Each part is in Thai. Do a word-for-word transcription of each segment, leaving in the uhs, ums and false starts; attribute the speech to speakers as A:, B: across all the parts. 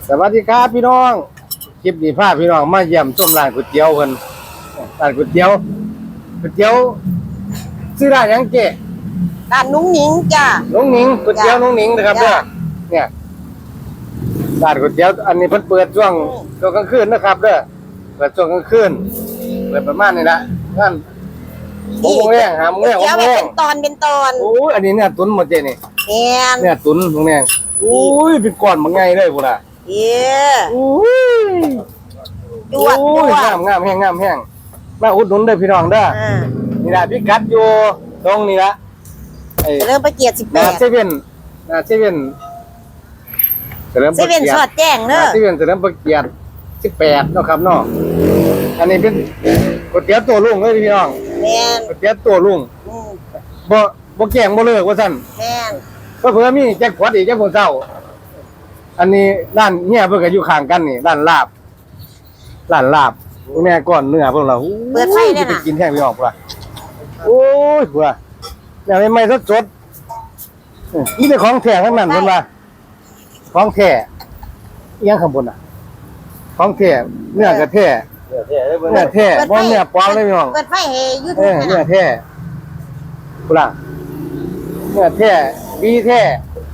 A: สวัสดีครับพี่น้องคลิปนี้พาพี่น้องมาเยี่ยมชมร้านก๋วยเตี๋ยวเพิ่นร้านก๋วยเตี๋ยวก๋วยเตี๋ยวชื่อร้านหยังเจ๊
B: ร้านนุ้งนิ้งจ้า
A: น้องหนิงก๋วยเตี๋ยวน้องหนิงนะครับเด้อเนี่ยร้านก๋วยเตี๋ยวอันนี้เพิ่นเปิดช่วงช่วงกลางคืนนะครับเด้อเปิดช่วงกลางคืนเปิดประมาณนี้ละงานหกโมงแรงห้าโมงแรงหก
B: เดี๋ยว
A: โม
B: ไป
A: งแร
B: เป็
A: ง
B: นตอนเป็นตอน
A: โอ้ยอันนี้เนี่ยตุ๋นหมดเจ๊นี่
B: แม่น
A: เนี่ยตุ๋นตรงนี้โอ้ยเป็นก้อนบางไงเลยพุ่นน่ะ
B: เย้
A: โอ้ย
B: จวด
A: โอ้
B: จ
A: ยว
B: ด
A: งามงามแห้งงามแห้งมาอุดหนุนเด้อพี่น้องเด้อ
B: อ่า
A: นี่ละพี่กัดอยู่ตรงนี้ละไอ้
B: เริ่มประเกียรติสิบแป
A: นา
B: ด
A: เซเว่นนาเซเว่นเฉลิม
B: เซ
A: พระ
B: เว่น
A: เกียร
B: สอ
A: ติ
B: ดแจ้งเน
A: นา
B: อะ
A: เซเว่นเฉลิมพระเกียรติสิบแปดเนาะครับเนาะอันนี้เป็นก๋วยเตี๋ยวตัวลุงเลยพี่น้อง
B: แม่น
A: ก๋วยเตี๋ยวตัวลุง
B: อืม
A: บ่บ่แกงบ่เลิกว่าซั่น
B: แม่น
A: ก็เผื่อมีแจ็คพอตอีกจังบ่เช้าอันนี้ร้านเฮียเพิ่นก็อยู่ข้างกันนี่ร้านลาบร้านลาบแม่ก้อนเนื้อเพิ่นล่ะ
B: เปิดไฟได้
A: ไป
B: น่ะ
A: กินแห้งพี่น้องพุ่นล่ะโอ้ยพุ่นล่ะแล้วใหม่ๆสดๆเออนี่เป็นของแท้ทั้งนั้นเพิ่นว่าของแท้อีหยังข้างบนน่ะของแท้เนื้อกระแท้เนื้อแท้เนื้อแท้บ่เนื้อปลอมเลยพี่น้อง
B: เปิดไฟเฮยู
A: เอ
B: ทูบ
A: อ
B: นั่น
A: เนื้อ
B: น่ะ
A: แท้พุ่นล่ะเนื้อแท้ดีแท้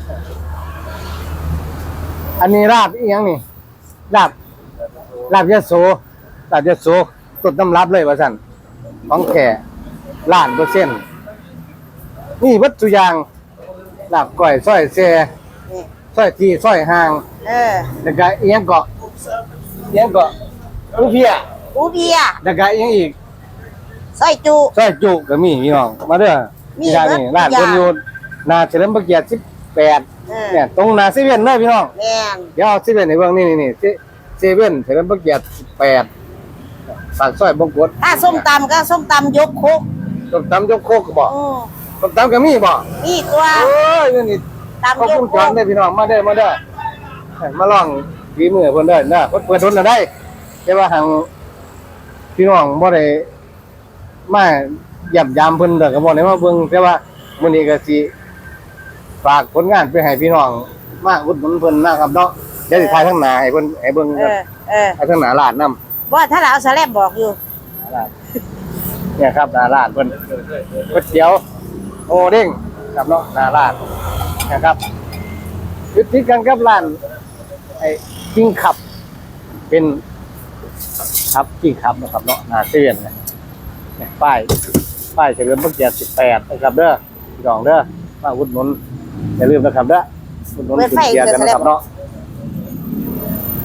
A: อันนี้ลาบอีหยังนี่ลาบลาบยโสลาบยโสต้นตำรับเลยว่าซั่นของแท้ล้านเปอร์เซ็นต์นี่วัตถุอย่างลาบก้อยซอยแซ่
B: นี่
A: ซอยที่ซอยห่าง
B: เออ
A: แล้วก็อีหยังเกาะอีหยังเกาะอูเพีย
B: อูเบีย
A: แล้วก็อีหยังอีก
B: ซอยจุ
A: ซอยจุก็มีพี่น้องมาเด้อ
B: มี
A: นี่ร้านนี่
B: เบิด
A: ร้าน
B: ทุกอย่าง
A: เพิ่นอยู่หน้าเฉลิมพระเกียรติสิบแปด
B: เออ
A: เนี่ยตรงหน้าเซเว่นเด้อพี่น้อง
B: แม่น
A: เดี๋ยวเอาเซเว่นให้เบิ่งนี่นี่ๆเซเว่นเฉลิมพระเกียรติสิบแปดปากซอยบงกฎ
B: ถ้าส้มตำก็ส้มตำยกโคก
A: ส้มตำยกโคกก็บ่
B: อืม
A: ส้มตำก็มีบ่
B: นี่ตัว
A: โอ้ยนี่นี่
B: ตำ
A: ขอบ
B: ยก
A: คุณ
B: โค
A: จอน
B: ก
A: เด้อพี่น้องมาเด้อมาเด้อให้มาลองฝีมือเพิ่นเด้อนะเพิ่นเปิดทุนน่ะได้แต่ว่าทางพี่น้องบ่ได้มาย่ำยามเพิ่นเด้อก็บ่ได้มาเบิ่งแต่ว่ามื้อนี้ก็สิฝากผลงานไปให้พี่น้องมาอุดหนุนเพิ่นนะครับเนาะเดี๋ยวสิถ่ายทางหน้าให้เพิ่นให้เบิ่ง
B: เอ
A: กัน
B: อเออ
A: ถ่ายทางหน้าร้านนำ
B: ว่าถ้าเราเอาสแลบบอกอยู่
A: เนี่ยครับหน้าร้านเพิ่นก๋วยเตี๋ยวโอเด้งครับเนาะหน้าร้านนะครับยึดติดกันกับร้านไอ้กิ้งขับ เป็นครับกิ้งขับนะครับเนาะหน้าเซเว่นเนี่ยเนี่ยป้ายป้ายเฉลิมพระเกียรติสิบแปดนะครับเด้อพี่น้องเด้อมาอุดหนุนอย่าลืมนะครับเด้ออุดหนุน
B: เปิด
A: กิน
B: ไฟ
A: เกียรติกันนะครับเนาะ
B: เ